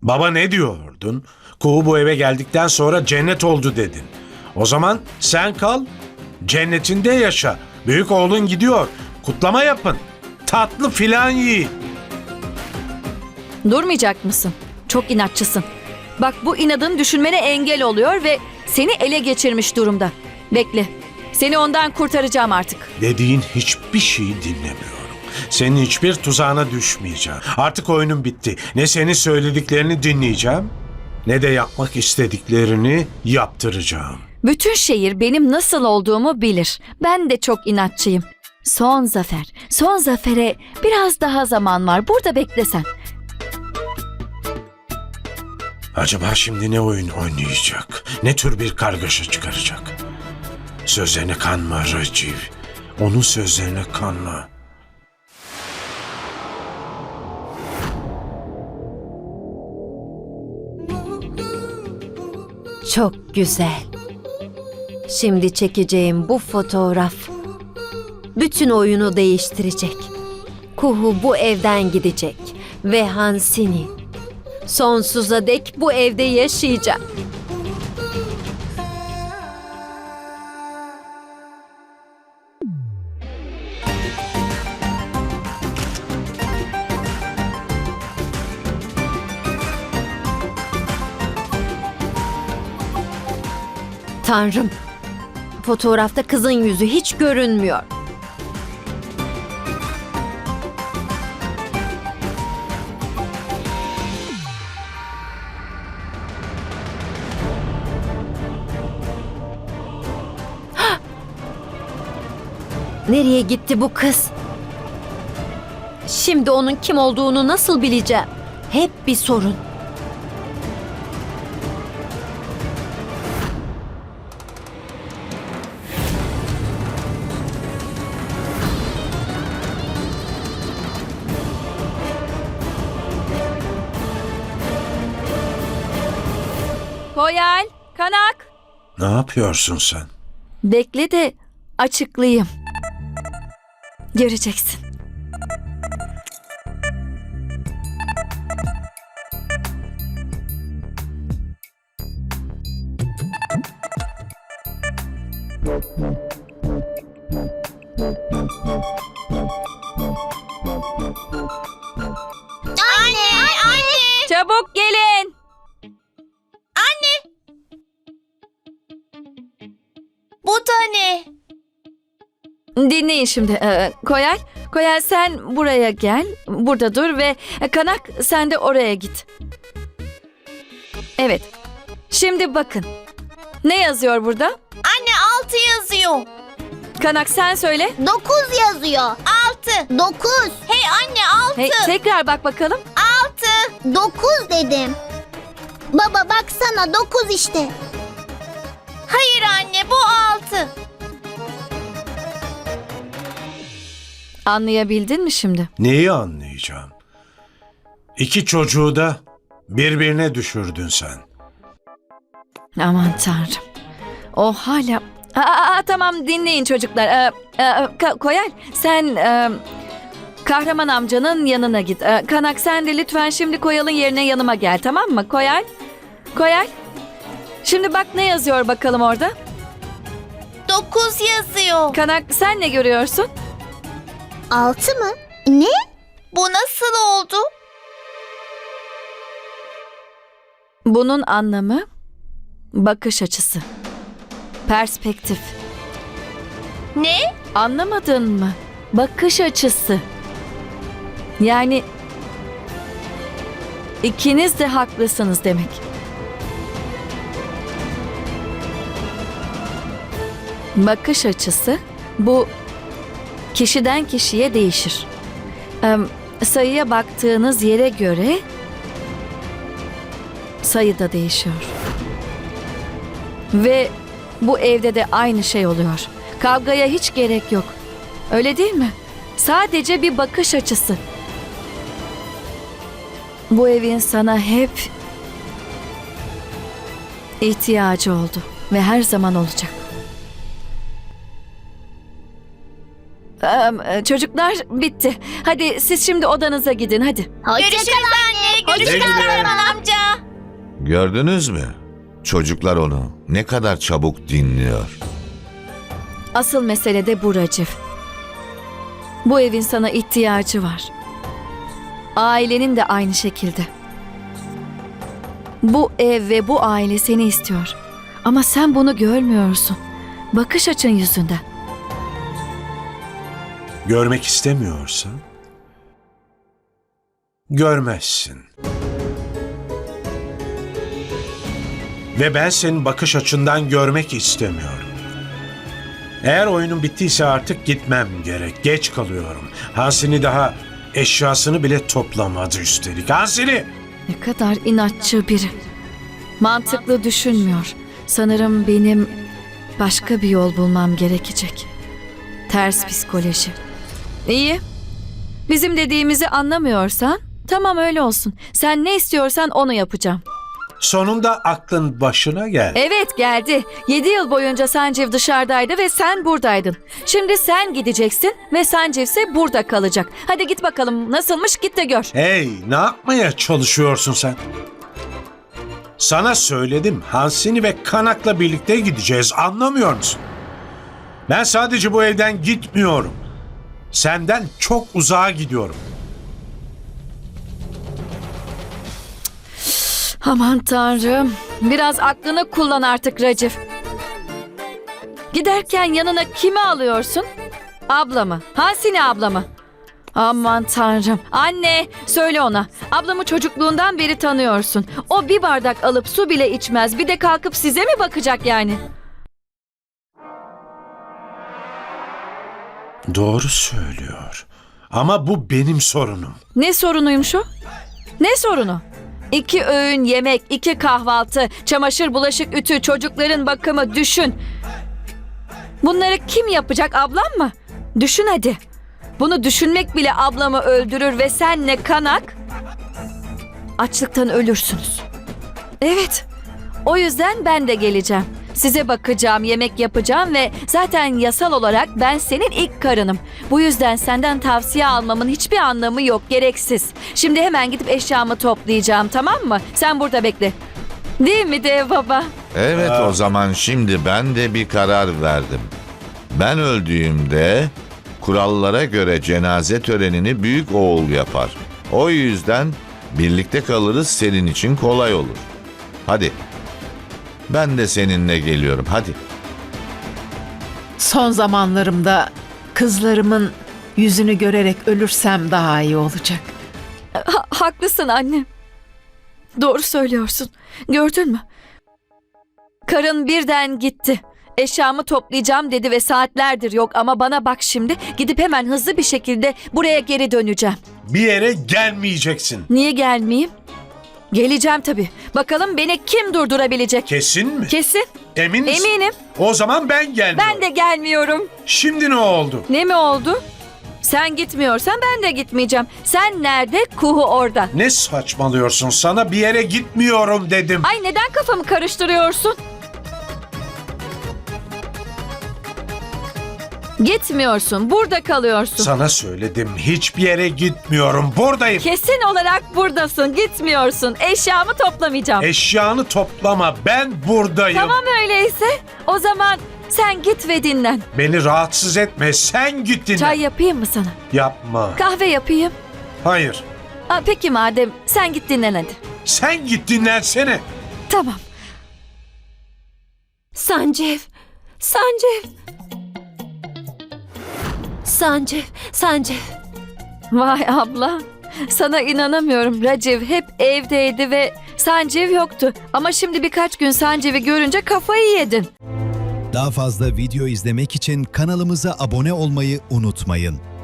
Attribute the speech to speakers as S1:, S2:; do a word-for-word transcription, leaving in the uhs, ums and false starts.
S1: Baba ne diyordun? Kuğu bu eve geldikten sonra cennet oldu dedin. O zaman sen kal, cennetinde yaşa. Büyük oğlun gidiyor. Kutlama yapın. Tatlı filan yiyin.
S2: Durmayacak mısın? Çok inatçısın. Bak bu inadın düşünmene engel oluyor ve seni ele geçirmiş durumda. Bekle. Seni ondan kurtaracağım artık.
S1: Dediğin hiçbir şeyi dinlemiyorum. Senin hiçbir tuzağına düşmeyeceğim. Artık oyunun bitti. Ne senin söylediklerini dinleyeceğim, ne de yapmak istediklerini yaptıracağım.
S2: Bütün şehir benim nasıl olduğumu bilir. Ben de çok inatçıyım. Son zafer. Son zafere biraz daha zaman var. Burada beklesen.
S1: Acaba şimdi ne oyun oynayacak? Ne tür bir kargaşa çıkaracak? Sözlerine kanma Raciv. Onun sözlerine kanma.
S3: Çok güzel. Şimdi çekeceğim bu fotoğraf bütün oyunu değiştirecek. Kuhu bu evden gidecek ve Hansini sonsuza dek bu evde yaşayacak. Tanrım, fotoğrafta kızın yüzü hiç görünmüyor. Hah! Nereye gitti bu kız? Şimdi onun kim olduğunu nasıl bileceğim? Hep bir sorun.
S2: Koyal, Kanak.
S1: Ne yapıyorsun sen?
S2: Bekle de açıklayayım. Göreceksin.
S4: Anne, anne.
S2: Çabuk gelin.
S4: Bu da ne?
S2: Dinleyin şimdi. Ee, Koyal, Koyal sen buraya gel. Burada dur ve Kanak sen de oraya git. Evet. Şimdi bakın. Ne yazıyor burada?
S4: Anne altı yazıyor.
S2: Kanak sen söyle.
S4: Dokuz yazıyor. Altı. Dokuz. Hey anne altı.
S2: Hey, tekrar bak bakalım.
S4: Altı. Dokuz dedim. Baba baksana dokuz işte. Hayır anne bu altı.
S2: Anlayabildin mi şimdi?
S1: Neyi anlayacağım? İki çocuğu da birbirine düşürdün sen.
S2: Aman tanrım. O hala... Aa, aa, tamam dinleyin çocuklar. Ee, e, Ka- Koyal sen e, Kahraman amcanın yanına git. Ee, Kanak sen de lütfen şimdi Koyal'ın yerine yanıma gel, tamam mı? Koyal. Koyal. Şimdi bak ne yazıyor bakalım orada.
S4: Dokuz yazıyor.
S2: Kanak sen ne görüyorsun?
S4: Altı mı? Ne? Bu nasıl oldu?
S2: Bunun anlamı bakış açısı. Perspektif.
S4: Ne?
S2: Anlamadın mı? Bakış açısı. Yani ikiniz de haklısınız demek. Bakış açısı bu kişiden kişiye değişir. Ee, sayıya baktığınız yere göre sayı da değişiyor. Ve bu evde de aynı şey oluyor. Kavgaya hiç gerek yok. Öyle değil mi? Sadece bir bakış açısı. Bu evin sana hep ihtiyacı oldu ve her zaman olacak. Ee, çocuklar bitti. Hadi siz şimdi odanıza gidin hadi.
S4: Görüşürüz anne. Görüşürüz
S1: Güle güle.
S4: Kahraman amca.
S5: Gördünüz mü? Çocuklar onu ne kadar çabuk dinliyor.
S2: Asıl mesele de bu Racif. Bu evin sana ihtiyacı var. Ailenin de aynı şekilde. Bu ev ve bu aile seni istiyor. Ama sen bunu görmüyorsun. Bakış açın yüzünden.
S1: Görmek istemiyorsan görmezsin. Ve ben senin bakış açından görmek istemiyorum. Eğer oyunun bittiyse artık gitmem gerek. Geç kalıyorum. Hansini daha eşyasını bile toplamadı üstelik. Hansini!
S2: Ne kadar inatçı biri. Mantıklı düşünmüyor. Sanırım benim başka bir yol bulmam gerekecek. Ters psikoloji. İyi. Bizim dediğimizi anlamıyorsan tamam öyle olsun. Sen ne istiyorsan onu yapacağım.
S1: Sonunda aklın başına geldi.
S2: Evet geldi. Yedi yıl boyunca Sancev dışarıdaydı ve sen buradaydın. Şimdi sen gideceksin ve Sancev ise burada kalacak. Hadi git bakalım nasılmış git de gör.
S1: Hey, ne yapmaya çalışıyorsun sen? Sana söyledim, Hansini ve Kanak'la birlikte gideceğiz, anlamıyor musun? Ben sadece bu evden gitmiyorum. Senden çok uzağa gidiyorum.
S2: Aman tanrım. Biraz aklını kullan artık Racif. Giderken yanına kimi alıyorsun? Abla mı? Hansini abla mı? Aman tanrım. Anne söyle ona. Ablamı çocukluğundan beri tanıyorsun. O bir bardak alıp su bile içmez. Bir de kalkıp size mi bakacak yani?
S1: Doğru söylüyor. Ama bu benim sorunum.
S2: Ne sorunuymuş o? Ne sorunu? İki öğün yemek, iki kahvaltı, çamaşır, bulaşık, ütü, çocukların bakımı düşün. Bunları kim yapacak, ablam mı? Düşün hadi. Bunu düşünmek bile ablamı öldürür ve senle Kanak açlıktan ölürsünüz. Evet, o yüzden ben de geleceğim. Size bakacağım, yemek yapacağım ve zaten yasal olarak ben senin ilk karınım. Bu yüzden senden tavsiye almamın hiçbir anlamı yok, gereksiz. Şimdi hemen gidip eşyamı toplayacağım, tamam mı? Sen burada bekle. Değil mi dev baba?
S5: Evet, o zaman şimdi ben de bir karar verdim. Ben öldüğümde kurallara göre cenaze törenini büyük oğul yapar. O yüzden birlikte kalırız, senin için kolay olur. Hadi. Ben de seninle geliyorum, hadi.
S6: Son zamanlarımda kızlarımın yüzünü görerek ölürsem daha iyi olacak.
S2: Ha- haklısın anne. Doğru söylüyorsun. Gördün mü? Karın birden gitti. Eşyamı toplayacağım dedi ve saatlerdir yok ama bana bak şimdi. Gidip hemen hızlı bir şekilde buraya geri döneceğim.
S1: Bir yere gelmeyeceksin.
S2: Niye gelmeyeyim? Geleceğim tabii. Bakalım beni kim durdurabilecek?
S1: Kesin mi?
S2: Kesin.
S1: Emin misin?
S2: Eminim.
S1: O zaman ben gelmiyorum.
S2: Ben de gelmiyorum.
S1: Şimdi ne oldu?
S2: Ne mi oldu? Sen gitmiyorsan ben de gitmeyeceğim. Sen nerede? Kuhu orada.
S1: Ne saçmalıyorsun? Sana bir yere gitmiyorum dedim.
S2: Ay neden kafamı karıştırıyorsun? Gitmiyorsun. Burada kalıyorsun.
S1: Sana söyledim. Hiçbir yere gitmiyorum. Buradayım.
S2: Kesin olarak buradasın. Gitmiyorsun. Eşyamı toplamayacağım.
S1: Eşyanı toplama. Ben buradayım.
S2: Tamam öyleyse. O zaman sen git ve dinlen.
S1: Beni rahatsız etme. Sen git dinle.
S2: Çay yapayım mı sana?
S1: Yapma.
S2: Kahve yapayım.
S1: Hayır.
S2: Aa, peki madem sen git dinlen hadi.
S1: Sen git dinlensene.
S2: Tamam.
S3: Sancev, Sancev. Sancev, Sancev.
S2: Vay abla. Sana inanamıyorum. Raciv hep evdeydi ve Sancev yoktu. Ama şimdi birkaç gün Sancev'i görünce kafayı yedin.
S7: Daha fazla video izlemek için kanalımıza abone olmayı unutmayın.